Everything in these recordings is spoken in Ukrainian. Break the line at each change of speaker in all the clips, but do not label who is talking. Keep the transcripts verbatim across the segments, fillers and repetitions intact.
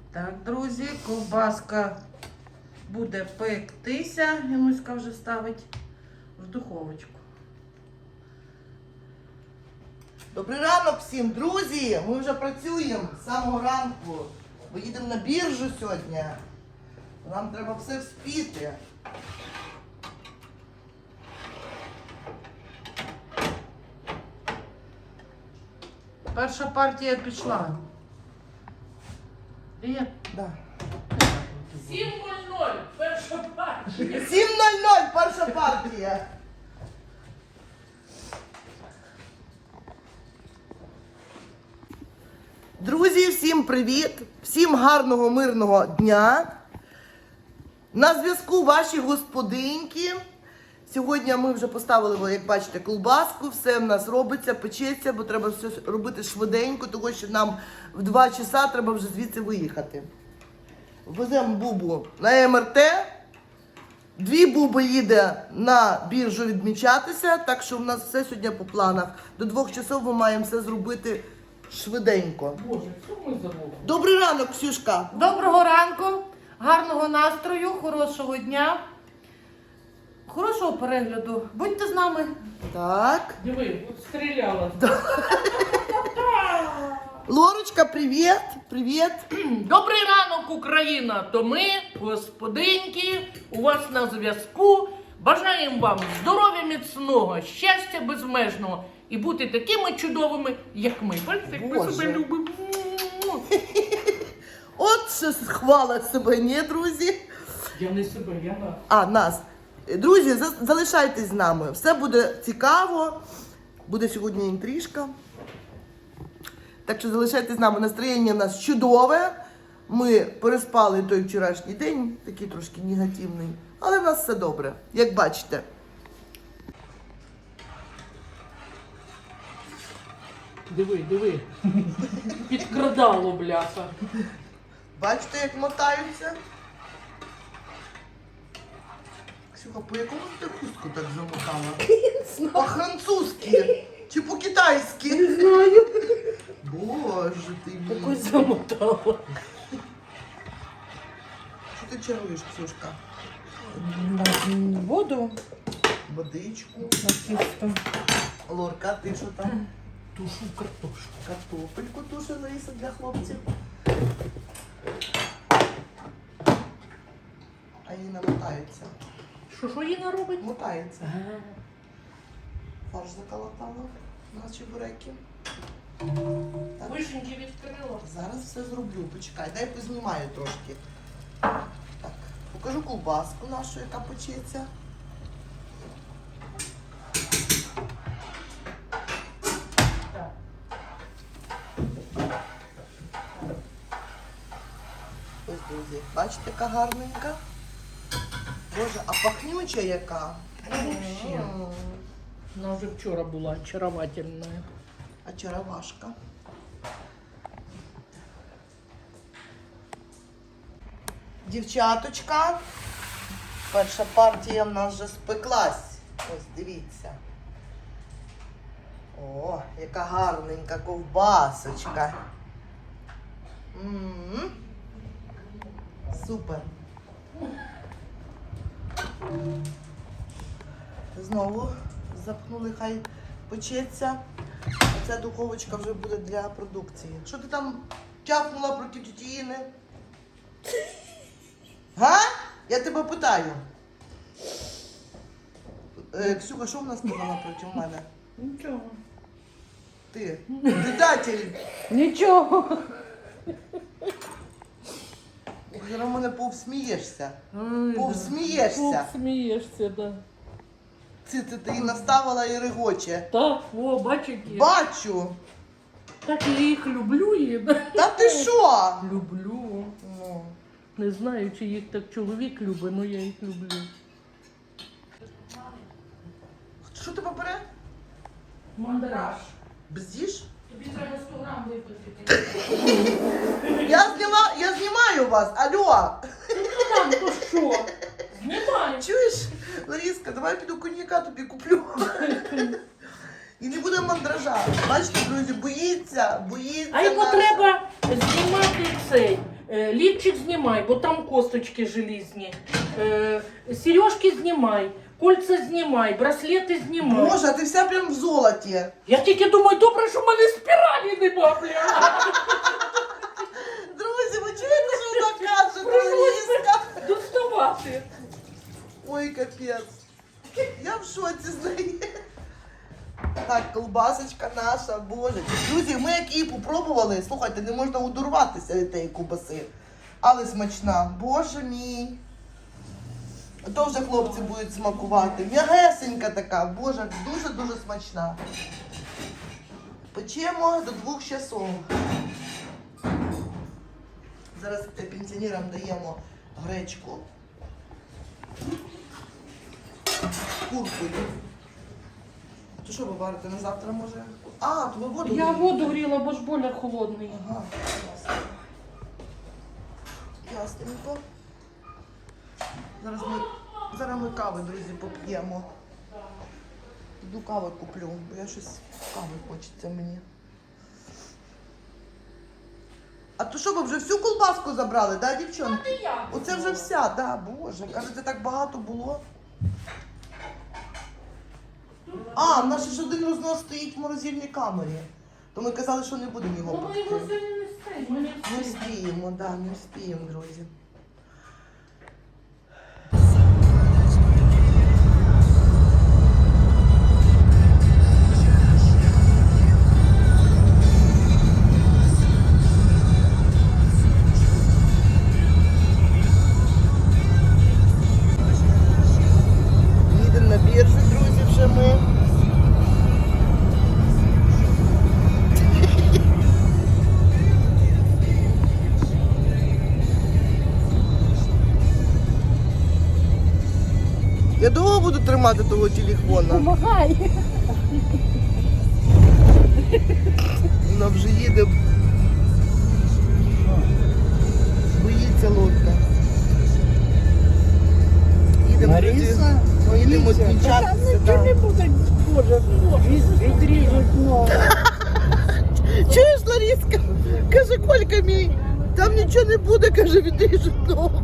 Так, друзі, ковбаска буде пектися. Януська вже ставить в духовочку.
Добрий ранок всім, друзі! Ми вже працюємо з самого ранку. Ми їдемо на біржу сьогодні. Нам треба все вспіти.
Перша партія пішла. Є?
Да.
сім нуль нуль, перша партія.
сім нуль нуль, перша партія. Друзі, всім привіт! Всім гарного, мирного дня! На зв'язку ваші господинки. Сьогодні ми вже поставили, як бачите, колбаску, все в нас робиться, печеться, бо треба все робити швиденько, тому що нам в два часа треба вже звідси виїхати. Веземо бубу на ем ер те, дві буби їде на біржу відмічатися, так що в нас все сьогодні по планах. До двох часов ми маємо все зробити швиденько.
Боже, що ми забули?
Добрий ранок, Ксюшка!
Доброго ранку, гарного настрою, хорошого дня, хорошого перегляду. Будьте з нами.
Так.
Диви, от стріляла.
Лорочка, привіт! Привіт!
Добрий ранок, Україна! То ми, господинки, у вас на зв'язку. Бажаємо вам здоров'я міцного, щастя безмежного і бути такими чудовими, як ми. Бачите, як ми
Боже.
себе любимо.
От що хвала себе, ні, друзі?
Я не себе, я нас.
А, нас. Друзі, за- залишайтесь з нами. Все буде цікаво. Буде сьогодні інтрижка. Так що залишайтесь з нами. Настроєння у нас чудове. Ми переспали той вчорашній день, такий трошки негативний. Але в нас все добре, як бачите.
Диви, диви. Підкрадало, бляха.
Бачите, як мотаються? Ксюха, по якому ти хустку так замотала? По-французьки чи по-китайськи?
Не знаю.
Боже ти мій.
Якось замотала.
Що ти чаруєш, Ксюшка?
Воду
Водичку.
на тісто.
Лорка, ти що там?
Тушу картошку.
Картопельку туше Лариса для хлопців. А її не мотається.
Що, що Інна робить?
Мотається. Фарш заколотала. Наші буряки. Так,
Вишеньки відкрила.
зараз все зроблю. Почекай, дай познімаю трошки. Так, покажу ковбаску нашу, яка печеться.
Так.
Ось, друзі, бачите, яка гарненька. Боже, а пахнюча яка.
Вообще.
М.
Вона вже вчора була очаровательна.
Очаровашка. Дівчаточка, перша партія в нас вже спеклась. Ось дивіться. О, яка гарненька ковбасочка. М-м-м. Супер. Знову запхнули, хай печеться. А ця духовочка вже буде для продукції. Що ти там тяпнула проти тітіїни? Га? Я тебе питаю. Е, Ксюха, що вона сказала проти мене?
Нічого.
Ти, предатель.
Нічого.
Зараз мене повсмієшся.
Ай,
Повсмієшся.
Повсмієшся, да.
Це ти, ти її наставила і регоче.
Так, о, бачиш, які.
Бачу.
Так я їх люблю, і да.
Та ти що?
Люблю.
Ну.
Не знаю, чи їх так чоловік любить, але я їх люблю.
Що ти бере?
Мандраж.
Бздіш?
Тобі треба сто грам випустити.
Я зніма, я знімаю вас, алло.
Ну там, то що? Знімай.
Чуєш, Ларіска, давай піду коньяка тобі куплю. І не буде мандража. Бачите, друзі, боїться, боїться.
А йому
нас.
треба знімати цей Е, лівчик знімай, бо там косточки желізні. Е, сережки знімай, кольця знімай, браслети знімай.
Боже, а ти вся прям в золоті.
Я тільки думаю, добре, що в мене спіралі нема, бля.
Друзі, ви чуєте, що вона каже?
Пришлось
Лариска?
доставати.
Ой, капець. Я в шоці з неї. Так, колбасочка наша, боже. Друзі, ми як її попробували, слухайте, не можна удурватися від тієї ковбаси. Але смачна. Боже мій. А то вже хлопці будуть смакувати. М'ягесенька така, боже, дуже-дуже смачна. Печемо до двох часов. Зараз пенсіонерам даємо гречку. Куркою. То що ви варите на завтра, може? А, то ви воду
Я
грієте?
воду гріла, бо ж боля холодний.
Ага, ясно. Ясненько. Зараз ми, зараз ми кави, друзі, поп'ємо. Іду кави куплю, бо я щось кави хочеться мені. А то що, ви вже всю колбаску забрали, да, дівчонки? Оце вже вся, да, боже, кажете, так багато було. А, в нас ще ж один рознос стоїть в морозильній камері. То ми казали, що не будемо його
Ну, ми його
пекти.
сьогодні не встигнемо.
Не вспіємо, да, не вспіємо, друзі. Їдемо на біржу, друзі, вже ми. Я довго буду тримати того телефона.
Помагай.
Вона вже їде. Боїться лодка. Їдемо, друзі.
Лариса,
Їдемо
боїться.
відмічатися.
Та
да.
там нічого не буде. Боже, від- відріжуть ногу.
Чуєш, Лариска? Каже, Колька мій, там нічого не буде, каже, відріжуть ногу.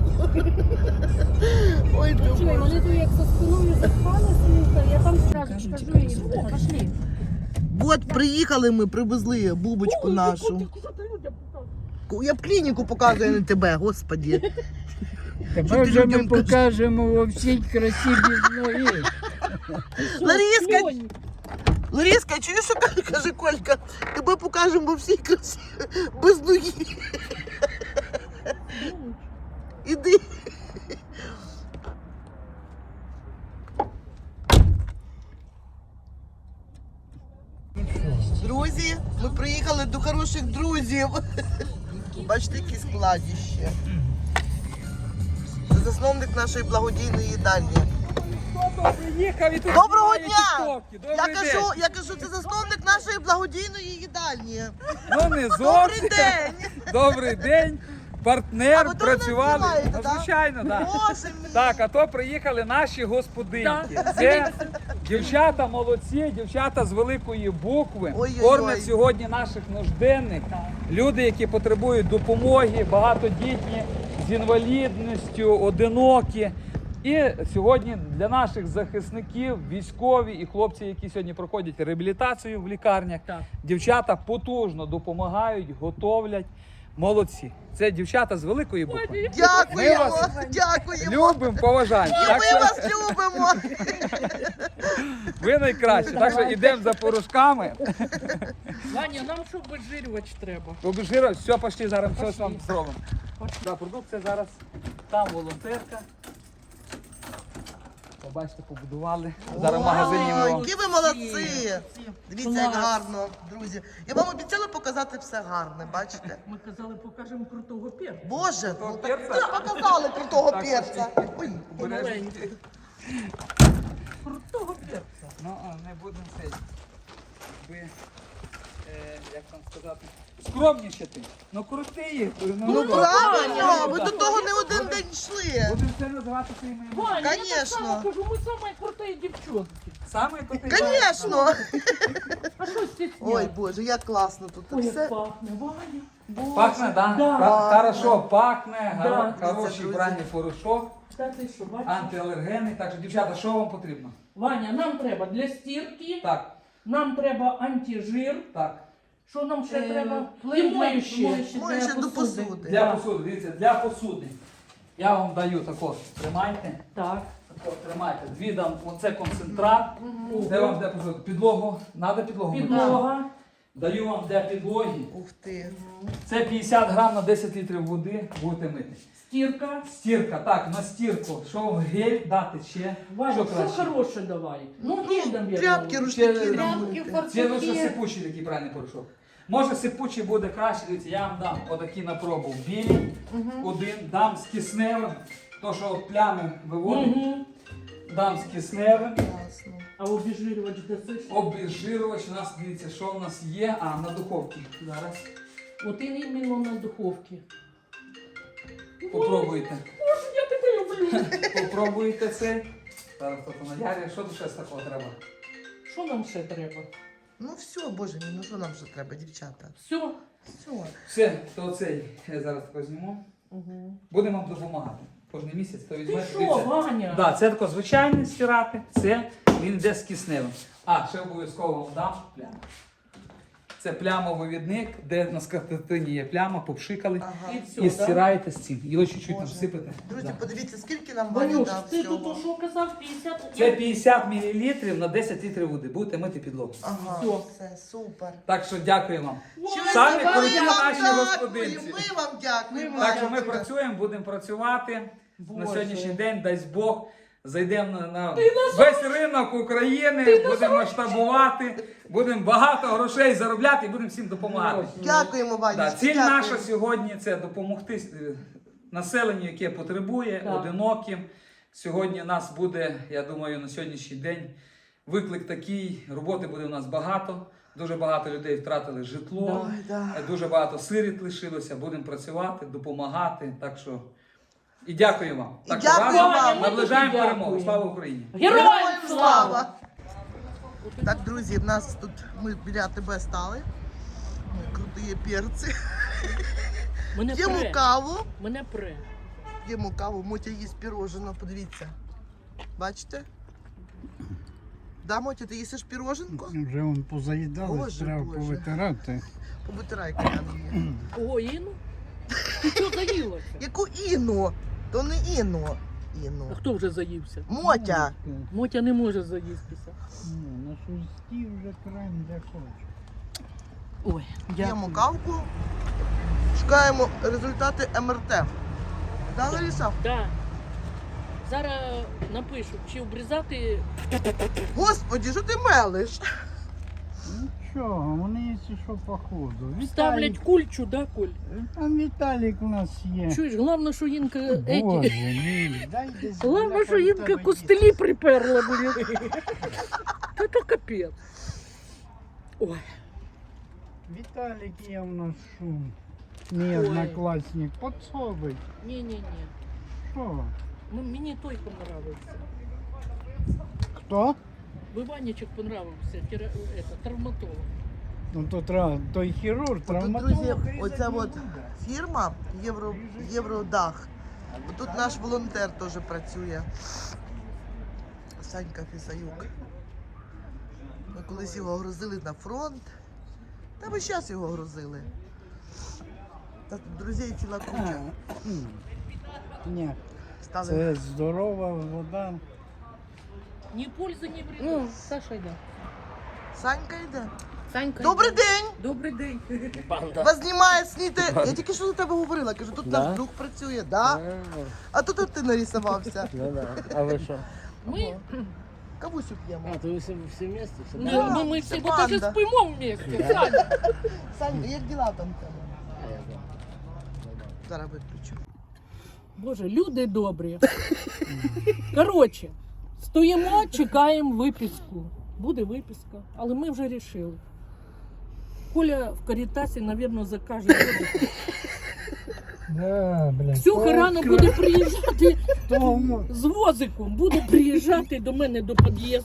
Ой, ти
Чуй,
Боже.
вони тут як за спиною запхалися, я там зразу ж кажу їм, о, пошли.
От приїхали ми, привезли бубочку нашу. Я б клініку показую, а не тебе, господі. Що
Тепер
ти
вже ми
людям кажеш?
покажемо во всій красі без ноги.
Лариска, Лариска, чуєш, що каже, каже Колька? Тебе покажемо во всій красі без ноги. Іди. Друзі, ми приїхали до хороших друзів. Бачите, які складіще. Це засновник нашої благодійної їдальні.
Приїхав і тут
Доброго
знімає
дня!
тіктоки.
Я
Добрий
кажу,
день.
я кажу, це засновник нашої благодійної їдальні.
Ну не
Добрий
зовсім.
день!
Добрий день.
А
Партнер,
ви то
працювали.
нас знімаєте,
Ну,
да?
звичайно, так.
Боже мій!
Так, а то приїхали наші господинки. Це дівчата молодці, дівчата з великої букви.
Ой-ой-ой.
Кормять сьогодні наших нужденних. Люди, які потребують допомоги, багатодітні, з інвалідністю, одинокі. І сьогодні для наших захисників, військові і хлопці, які сьогодні проходять реабілітацію в лікарнях,
Так.
дівчата потужно допомагають, готовлять. Молодці. Це дівчата з великої букви. Ми
Дякуємо!
вас
Дякуємо!
Любимо, поважаємо.
І
Так
ми
що
вас любимо!
ви найкращі. Так що йдемо за порошками.
Ваня, нам що обезжирювач треба?
Обезжира, все, пошли, зараз все вам зробимо. Да, продукція зараз. Там волонтерка. Побачите, побудували. Зараз в магазині ми
Ой,
вам.
які ви молодці! Дивіться, як
Клас.
гарно, друзі. Я вам обіцяла показати все гарне, бачите?
Ми казали, покажемо крутого перця.
Боже, ну так
перця?
ви показали крутого
Так,
перця. Ой,
Маленький. Крутого перця.
Ну, а, не будемо це. Ви, е, як там сказати, скромнішати. Ну крути їх.
ну
ну,
правильно, ви
да.
до того не один день йшли.
Будемо це називати своїми іменами.
Ваня, я так
Конечно.
само кажу, ми самі круті дівчонки.
Саме крутий.
Звісно!
А що стісняти?
Ой, Боже, як класно тут.
Ой,
Все.
як пахне, Ваня. Боже.
Пахне, да?
Да.
Ха- Хорошо, пахне,
Да.
горо-
Дивіться,
хороший
друзі.
пральний порошок,
Та ти що, бачиш?
антиалергенний. Так що, дівчата, що вам потрібно?
Ваня, нам треба для стірки,
Так,
нам треба антижир.
так.
Що нам ще
Е,
треба?
плив-
І моюще.
моюще для посуди.
Для
Так.
посуди, дивіться, для посуди. Я вам даю тако, тримайте.
Так.
Тако, тримайте. Дві дам, оце концентрат. Де вам де посуди? Підлогу. Надо підлогу? мити?
Підлога.
Даю вам для підлоги.
Ух ти.
Це п'ятдесят грам на десять літрів води будете мити.
Стірка.
Стірка, так, на стірку. Що вам гель дати ще?
Ваня,
що
що
краще?
хороше давай. Ну, гель нам я
Тряпки,
дам.
рушники
Тряпки,
робити.
Це лише сипучий такий правильний порошок. Може сипучий буде краще, дивіться, я вам дам отакі на пробу білі, один, дам з кисневим, то що от плями виводить,
Угу.
дам з кисневим.
Класно.
А обезжирювач досиш?
Обезжирювач у нас, дивіться, що в нас є, а на духовці. Зараз
От і іменно на духовці.
попробуйте.
Боже, я тебе люблю.
Попробуйте це. Зараз тут на ярі, що тут ще з такого треба?
Що нам ще треба?
Ну все, Боже мій, ну що нам ще треба, дівчата?
Все.
Все.
Все, то цей я зараз тако зніму.
Угу.
Будемо вам допомагати. Кожен місяць то
Ти
візьмете.
що,
дивіться.
Ваня?
Да, це тако звичайне стирати, це він йде з кисневим. А, ще обов'язково вам дам пляму. Це плямовивідник, де на скатертині є пляма, попшикали.
Ага.
І все,
І
да?
стираєте з цим. Його чуть-чуть там
Боже.
всипете.
Друзі,
Да.
подивіться, скільки нам Ваня
Ванюш,
дав
ти тут
всього.
що казав? п'ятдесят?
Це п'ятдесят мл на десять літрів води. Будете мити підлогу.
Ага,
Всьо.
все, супер.
Так що дякую вам.
Щось
Самі
вам
круті
дякуємо,
наші господинці.
Ми вам дякуємо.
Так що ми
Ванечка.
працюємо, будемо працювати. На
Боже.
сьогоднішній день, дасть Бог, зайдемо на, на весь ринок України, будемо масштабувати, будемо багато грошей заробляти і будемо всім допомагати.
Дякуємо, Ванечка.
Да, ціль
дякуємо.
наша сьогодні це допомогти е, населенню, яке потребує,
Так.
одиноким. Сьогодні нас буде, я думаю, на сьогоднішній день виклик такий, роботи буде у нас багато. Дуже багато людей втратили житло,
Ой, да.
е, дуже багато сиріт лишилося. Будемо працювати, допомагати. Так що і дякую вам.
І
Так що
дякую
разом
вам.
наближаємо
Ми тобі
перемогу.
дякуємо.
Слава Україні!
Героям слава!
Так, друзі, в нас тут ми біля тебе стали. Ми круті перці.
Мене
П'ємо
пре.
каву.
Мене пре.
П'ємо каву, Мотя їсть пірожено, подивіться. Бачите? Да, Мотя, ти їсиш піроженко?
Вже вон позаїдали,
Боже,
треба
Боже.
повитирати.
Побутирай коляну її.
О, Іну? Ти що заїлася?
Яку Іну? То не Іну. Іну.
А хто вже заївся?
Мотя.
Мотя не може заїстися.
Ну, на шусті вже крайм де хоче.
Ой,
П'ємо
дякую.
кавку. Шукаємо результати ем ер те. Да, Лариса?
Да. Зараз напишу, чи обрізати.
Господи, що ти мелиш?
Нічого, вони якщо що по ходу.
Ставлять
Віталік,
кульчу, да, Коль?
там Віталік у нас є.
Чуєш, головне, що Інка
Боже
еті.
мій, дай десь.
Головне,
біля
що Інка
тебе
костелі приперла, блін. Та то капець. Ой,
є. Віталік є у нас шум. Мій
Ой.
однокласник, подсобить.
ні-ні-ні.
Що?
М- Мені той понравився.
Хто?
Виванічок понравився, тера- это, травматолог.
Ну то треба, той хірург,
Тут,
травматолог.
друзі,
різати
оця
не
от
буде.
фірма Євро, Євродах. Тут наш волонтер теж працює. Санька Фісаюк. Ми колись його грузили на фронт. Та ми зараз його грузили. Та тут друзей ціла куча.
М. Ні,
Стали.
це здорова вода.
Ні пользи, ні вреда. Ну, Саша йде.
Санька йде.
Санька
Добрий
йде.
день!
Добрий день. Банда.
Вас знімає сніти. Я тільки що до тебе говорила. Кажу, тут наш друг працює, да? А тут от ти нарисувався.
Ну да. А вы что?
Ми,
Кавусю п'ємо.
А, то вы все, все вместе? Все
ну,
Да,
ну, ми
це
всі бо даже
банда.
спимо вместе. Саня.
Санька, як діла там в тебе?
А, я знаю.
Зараз виключу.
Боже, люди добрі. Коротше, стоїмо, чекаємо виписку. Буде виписка, але ми вже вирішили. Коля в Карітасі, мабуть, закаже водку.
Да, блядь.
Ксюха рано буде приїжджати
Тому
з возиком. Буде приїжджати до мене до під'їзду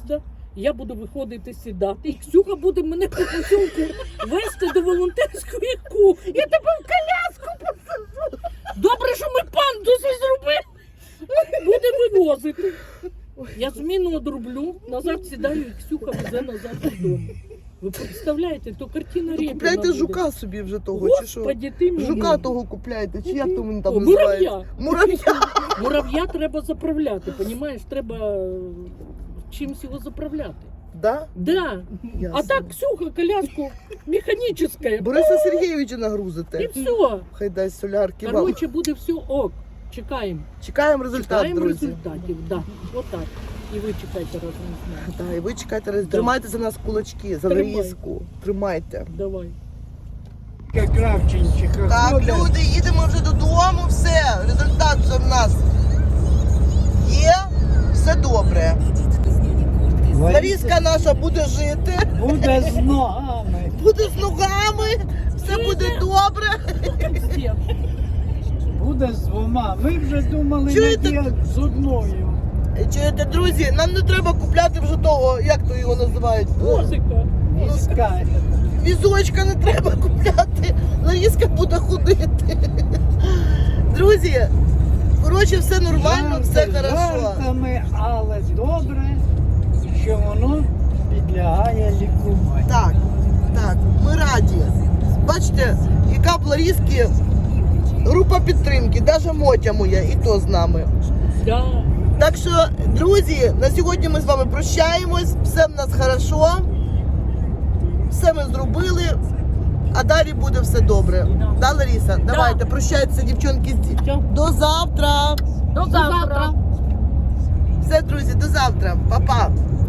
Я буду виходити сідати, і Ксюха буде мене по посілку вести до волонтерської кухні. Я тебе в коляску посаджу. Добре, що ми пандуси зробили. Буде вивозити. Я зміну одрублю, назад сідаю, і Ксюха везе назад додому. Ви представляєте, то картина Рєпіна
Купляйте
буде.
жука собі вже того, чи що?
Господи, ти мій.
Жука того купляйте, чи як то він там
О,
називається?
мурав'я.
Мурав'я.
Мурав'я треба заправляти, понімаєш? Треба е, чимось його заправляти.
Да?
Да.
Ясно.
А так Ксюха коляску механическая.
Бориса Сергійовича
І
нагрузите.
все.
Хай дасть солярки вам.
Короче, буде все ок. Чекаємо.
Чекаємо результат,
Чекаємо
друзі.
результатів. Да. Отак. І ви чекайте разом з нами.
Так, і ви чекайте, роз- тримайте за нас кулачки, за
Тримай.
Ларіску. Тримайте.
Давай.
Як Кравченчиха
Так,
ходить.
люди, їдемо вже додому, все, результат вже в нас є, все добре. Ларіска наша буде жити,
Буде з ногами.
буде з ногами, все буде добре.
Всім.
Буде з двома. Ми вже думали,
Чуєте?
як з одною.
Чуєте, друзі, нам не треба купляти вже того, як то його називають,
Музика.
Візка.
візочка не треба купляти, Ларіска буде ходити. Друзі, коротше, все нормально, все
Жарти
хорошо.
жартами, але добре, що воно підлягає лікуванню.
Так, так, ми раді. Бачите, яка в Ларіски група підтримки, навіть Мотя моя, і то з нами.
Да.
Так що, друзі, на сьогодні ми з вами прощаємось, все в нас хорошо, все ми зробили, а далі буде все добре. Да, Ларіса? Давайте, прощайтеся, дівчонки. До завтра.
До завтра.
Все, друзі, до завтра. Па-па.